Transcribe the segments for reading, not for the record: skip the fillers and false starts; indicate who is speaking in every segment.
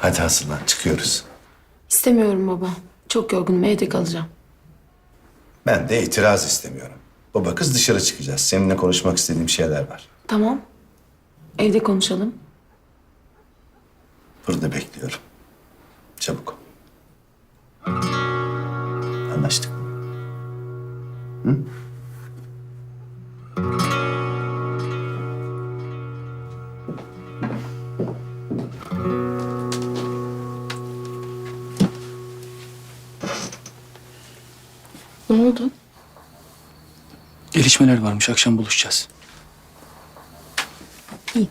Speaker 1: Hadi hazırlan, çıkıyoruz.
Speaker 2: İstemiyorum baba. Çok yorgunum, evde kalacağım.
Speaker 1: Ben de itiraz istemiyorum. Baba kız dışarı çıkacağız. Seninle konuşmak istediğim şeyler var.
Speaker 2: Tamam. Evde konuşalım.
Speaker 1: Burada bekliyorum. Çabuk. Anlaştık mı? Hı?
Speaker 2: Ne oldu?
Speaker 3: Gelişmeler varmış. Akşam buluşacağız.
Speaker 2: İyi.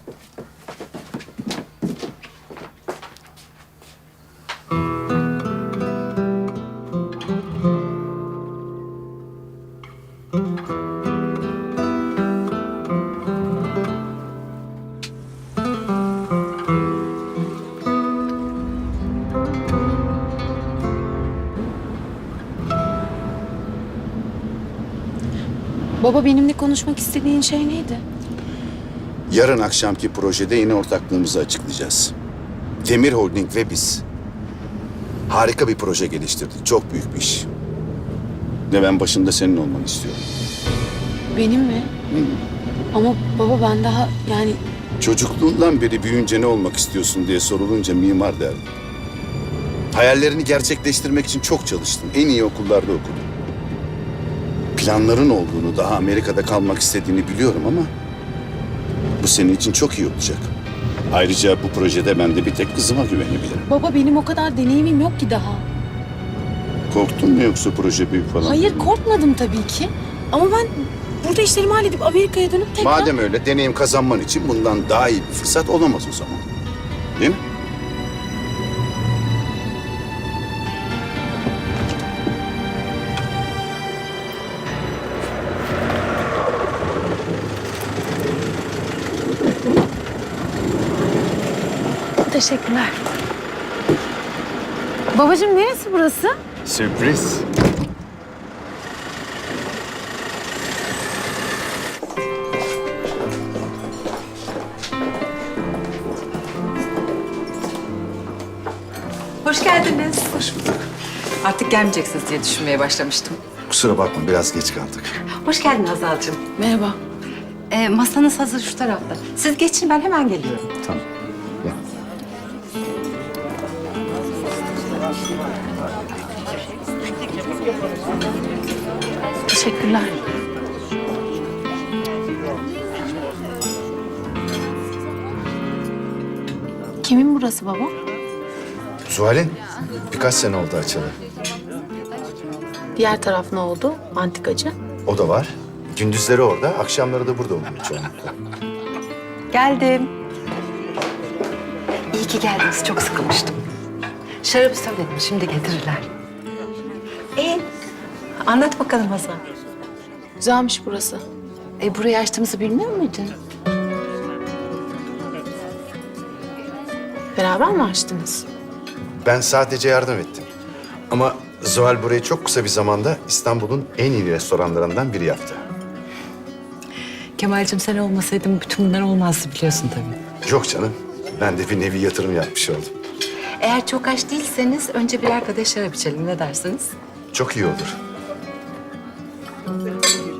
Speaker 2: Baba benimle konuşmak istediğin şey neydi?
Speaker 4: Yarın akşamki projede yeni ortaklığımızı açıklayacağız. Demir Holding ve biz. Harika bir proje geliştirdik. Çok büyük bir iş. Ve ben başında senin olmanı istiyorum.
Speaker 2: Benim mi? Ama baba ben daha yani
Speaker 4: Çocukluğundan beri büyüyünce ne olmak istiyorsun diye sorulunca mimar derdim. Hayallerini gerçekleştirmek için çok çalıştın. En iyi okullarda okudun. Planların olduğunu, daha Amerika'da kalmak istediğini biliyorum ama bu senin için çok iyi olacak. Ayrıca bu projede ben de bir tek kızıma güvenebilirim.
Speaker 2: baba benim o kadar deneyimim yok ki daha.
Speaker 4: Korktun mu yoksa proje büyük falan?
Speaker 2: Hayır korkmadım tabii ki. Ama ben burada işlerimi halledip Amerika'ya dönüp tekrar...
Speaker 4: Madem öyle deneyim kazanman için bundan daha iyi bir fırsat olamaz o zaman. Değil mi?
Speaker 2: Teşekkürler. Babacığım neresi burası?
Speaker 1: Sürpriz.
Speaker 5: Hoş geldiniz.
Speaker 1: Hoş bulduk.
Speaker 5: Artık gelmeyeceksiniz diye düşünmeye başlamıştım.
Speaker 1: Kusura bakma, biraz geç kaldık.
Speaker 5: Hoş geldin Hazal'cığım.
Speaker 2: Merhaba.
Speaker 5: Masanız hazır şu tarafta. Siz geçin ben hemen geliyorum.
Speaker 1: Tamam. Gel.
Speaker 2: Teşekkürler. Kimin burası baba?
Speaker 1: Zuhal'in birkaç sene oldu açalı.
Speaker 2: Diğer taraf ne oldu? Antikacı.
Speaker 1: O da var. Gündüzleri orada, akşamları da burada oluyor çoğunlukla.
Speaker 5: Geldim. İyi ki geldiniz. Çok sıkılmıştım. Şarabı söyledim. Şimdi getirirler. Anlat bakalım Hazal.
Speaker 2: Güzelmiş burası.
Speaker 5: Burayı açtığımızı bilmiyor muydun?
Speaker 2: Beraber mi açtınız?
Speaker 1: Ben sadece yardım ettim. Ama Zuhal burayı çok kısa bir zamanda İstanbul'un en iyi restoranlarından biri yaptı.
Speaker 5: Kemal'cim sen olmasaydın bütün bunlar olmazdı biliyorsun tabii.
Speaker 1: Yok canım, ben de bir nevi yatırım yapmış oldum.
Speaker 5: Eğer çok aç değilseniz önce birer kadeh şarap içelim. Ne dersiniz?
Speaker 1: Çok iyi olur.